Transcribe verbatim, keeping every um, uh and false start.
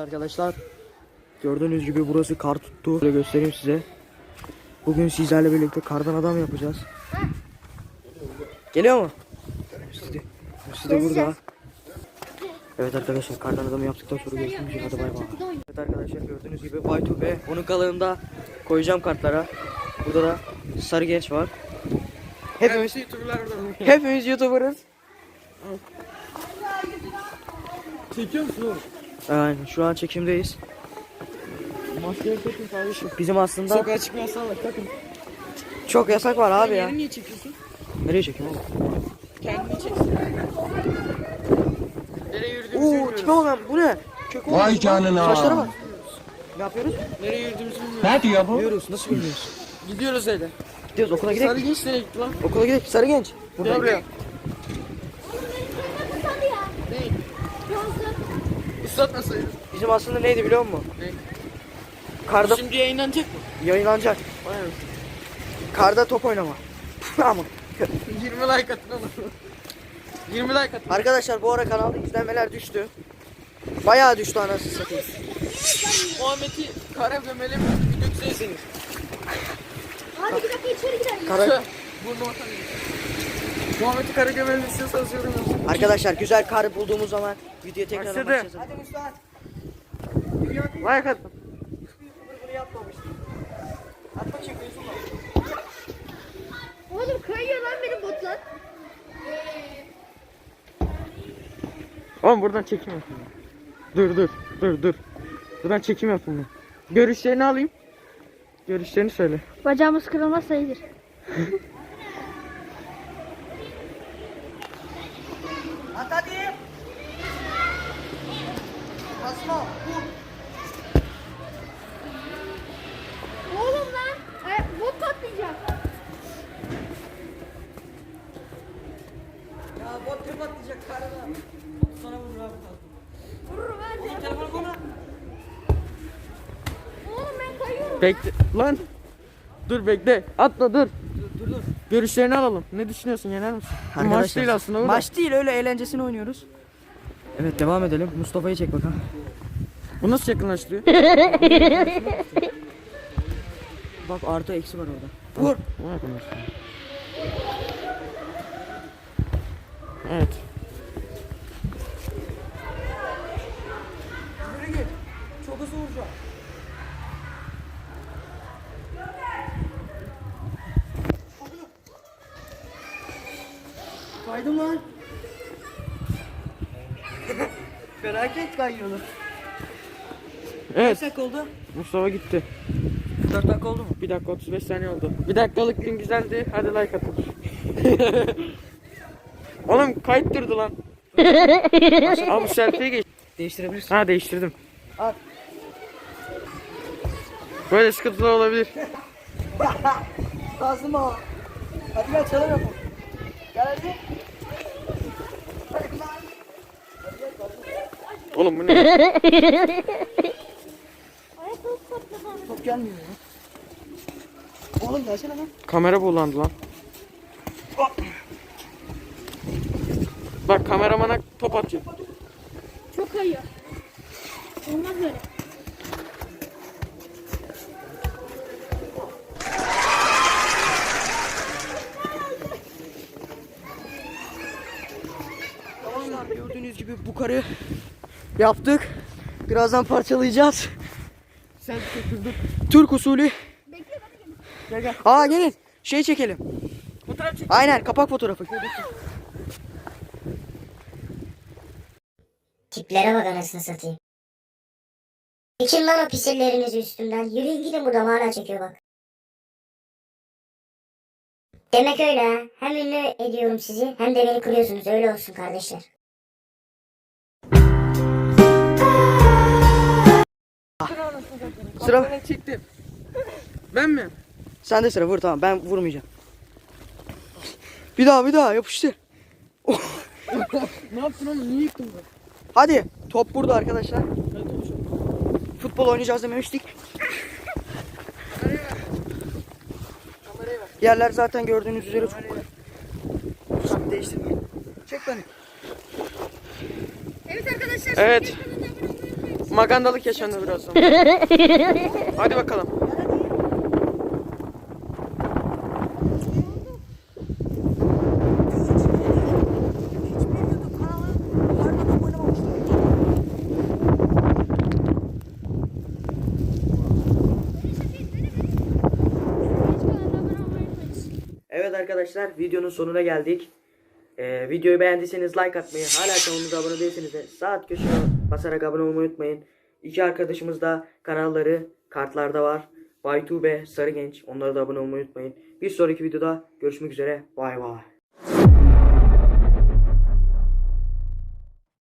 arkadaşlar. Gördüğünüz gibi burası kar tuttu. Böyle göstereyim size. Bugün sizlerle birlikte kardan adam yapacağız. Geliyor mu? Sizi, sizi burada. Evet arkadaşlar, kardan adamı yaptıktan sonra görüşmek üzere. Hadi bay bay. Evet arkadaşlar, gördüğünüz gibi Baytu ve onun kalığında koyacağım kartlara. Burada da sarı genç var. Hepimiz hepimiz YouTuber'ız. Çekiyor musun oğlum? Aynen, şu an çekimdeyiz. Maskeyi takın kardeşim. Bizim aslında Sokağa çıkma yasağı var, takın. çok yasak var abi ya. Yeri niye çekiyorsun? Nereye çekeyim oğlum? Kendini çeksin. Nereye yürüdüğümüzü Oo, bilmiyoruz. tipe bak bu ne? Kök olmuş. Vay canına. Saçlara bak. Ne yapıyoruz? Nereye yürüdüğümüzü bilmiyoruz. Ne diyor bu? Bilmiyoruz. Nasıl bilmiyoruz? Gidiyoruz öyle. Gidiyoruz, okula Sarı gidelim. genç nereye gitti lan? Okula gidelim. Sarı genç. Gel buraya. Ne? Islatmasaydın. Bizim aslında neydi biliyor musun? Ne? Karda Şimdi yayınlanacak mı? yayınlanacak. Vay be. Karda top oynama. Ama yirmi like atın oğlum. yirmi like atın. arkadaşlar, bu ara kanalda izlenmeler düştü. Bayağı düştü anasını satayım. Muhammed'i kara gömeli mi? Bir dökseydiniz. Hadi bir dakika içeri gidelim. Kara... Burnuma tanıyorum. Muhammed'i kara gömeli istiyorsanız yorum yapın. Arkadaşlar, güzel kar bulduğumuz zaman videoya tekrar Başladı. başlayacağız. Hadi Mustafa. Like atın. Bunu yapmamıştım. Atma çekiyorsun bak. Oğlum kayıyor lan benim botlar. Oğlum buradan çekim yapın. Dur dur dur dur. Buradan çekim yapın. Görüşlerini alayım. Görüşlerini söyle. Bacağımız kırılmaz sayılır. At hadi. Basma. Vur. Oğlum lan. E, bot patlayacak. Ya bot tep atlayacak karada. Sana vurur abi. Vururum hadi. Telefonu kola. Oğlum ben kayıyorum. Bekle lan. Dur bekle. Atla dur. Dur dur dur. Görüşlerini alalım. Ne düşünüyorsun? Yener misin? Bu maç değil aslında. Bu da. Maç değil, öyle eğlencesini oynuyoruz. Evet, devam edelim. Mustafa'yı çek bakalım. Bu nasıl yakınlaştırıyor? Bak, artı eksi var orada. Vur. Bu yakınlaştırıyor. Evet. Yürü git. Çok hızlı vuracağım. Kaydım lan. Felaket kayıyorlar. Evet. Kaç dakika oldu? Mustafa gitti. dört dakika oldu mu? bir dakika otuz beş saniye oldu. Bir dakikalık gün güzeldi. Hadi like atın. Oğlum kayıt durdu lan. Abi selfie'ye geç. Değiştirebilirsin. Ha değiştirdim. Al. Böyle sıkıntılar olabilir. Lazım o. Hadi gel, çalalım yapalım. Gel hadi. Oğlum bu ne? Ayakkabı patladı. Top gelmiyor ya. Oğlum gelsene lan. Kamera bulandı lan. Bak kameramana top atıyor. Çok kayıyor. Olmaz böyle. Arkadaşlar, gördüğünüz gibi bu karı yaptık. Birazdan parçalayacağız. Sen dur. Türk usulü. Bekle bana gelin. Gel gel. Aa, gelin. Şey çekelim. Fotoğraf çek. Aynen, kapak fotoğrafı. Tiplere bak anasını satayım. Çekin lan o pisirlerinizi üstümden. Yürüyün gidin, buradan hala çekiyor bak. Demek öyle ha. Hem ünlü ediyorum sizi hem de beni kırıyorsunuz. Öyle olsun kardeşler. Sıra. Ben çektim. Ben mi? Sen de sıra vur, tamam, ben vurmayacağım. Bir daha bir daha yapıştır. Ne yaptın oğlum? Niye yıktın bu? Hadi, top burada arkadaşlar. Futbol oynayacağız dememiştik. Yerler zaten gördüğünüz üzere çok kolay. Tamam, değiştirme. Çek beni. Evet arkadaşlar. Evet. şimdi kanalına abone olmayı unutmayın. Magandalık yaşanır birazdan. Hadi bakalım. Evet arkadaşlar, videonun sonuna geldik. Ee, videoyu beğendiyseniz like atmayı, hala kanalımıza abone değilseniz de saat köşeye basarak abone olmayı unutmayın. İki arkadaşımız da kanalları kartlarda var. Baytu ve Sarı Genç. Onlara da abone olmayı unutmayın. Bir sonraki videoda görüşmek üzere. Bay bay.